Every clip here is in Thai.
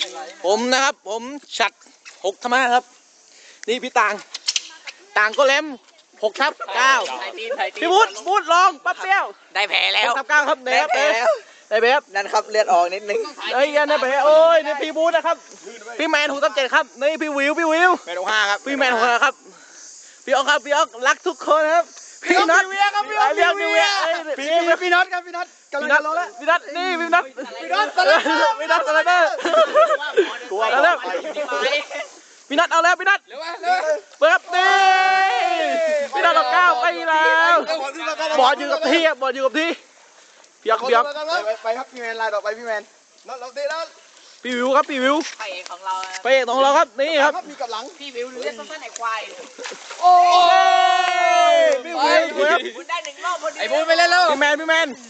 ผมนะครับผมฉัด6 ธรรมะครับนี่พี่ต่างก็เล่ม6/9พี่วุฒิลองปั๊บเปี้ยวได้แผลแล้ว 6/9ครับได้แผลนั่นครับเลือดออกนิดนึงไอ้ยันได้แผลโอ้ยนี่พี่วุฒินะครับพี่แมน6/7ครับนี่พี่วิวแมน5ครับพี่แมน6ครับพี่ออกรักทุกคนครับพี่น็อตพี่น็อตพี่น็อตกำลังรอแล้วพี่น็อตนี่พี่น็อตอะไรเด้อกลัวแล้วพี่น็อตเอาแล้วพี่น็อตเปิดนี่พี่น็อตเรา9ไปแล้วบอลอยู่กับที่พี่ออกไปครับพี่แมนลายต่อไปพี่แมนเราเตะแล้วพี่วิวครับพี่วิวไปของเราครับนี่ครับมีกับหลังพี่วิวเรียกสั้นๆไอ้ควายโอ้ยพี่วิวบุญได้1 รอบพอดีไอ้บุญไปเล่นแล้วพี่แมน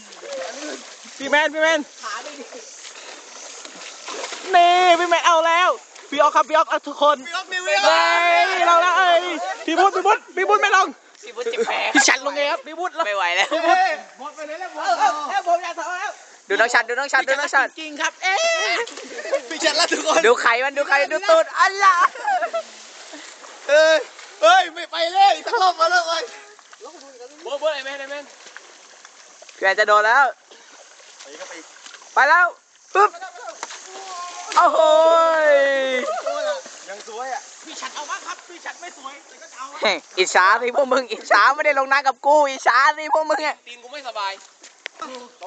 นี่พี่แมนเอาแล้วพี่ออกครับทุกคนเราแล้วพี่บุญไม่ลงพี่บุญจิบแผลพี่ฉันลงไงครับพี่บุญไม่ไหวแล้วหมดไปเลยแล้วผมอยากทำแล้วดูน้องชัดจริงครับพี่ชัดแล้วทุกคนดูไข่มันดูตูดอัลล่ะเฮ้ยไม่ไปเลยสักรอบมาแล้วเลยโบ้ไอ้แมนพี่แมนจะโดนแล้วไปแล้วปึ๊บโอ้โหยังสวยอ่ะพี่ฉันเอามากครับพี่ฉันไม่สวยแต่ก็เอาอิจฉาสิพวกมึงอิจฉาไม่ได้ลงน้ำกับกูอิจฉาสิพวกมึงตีนกูไม่สบาย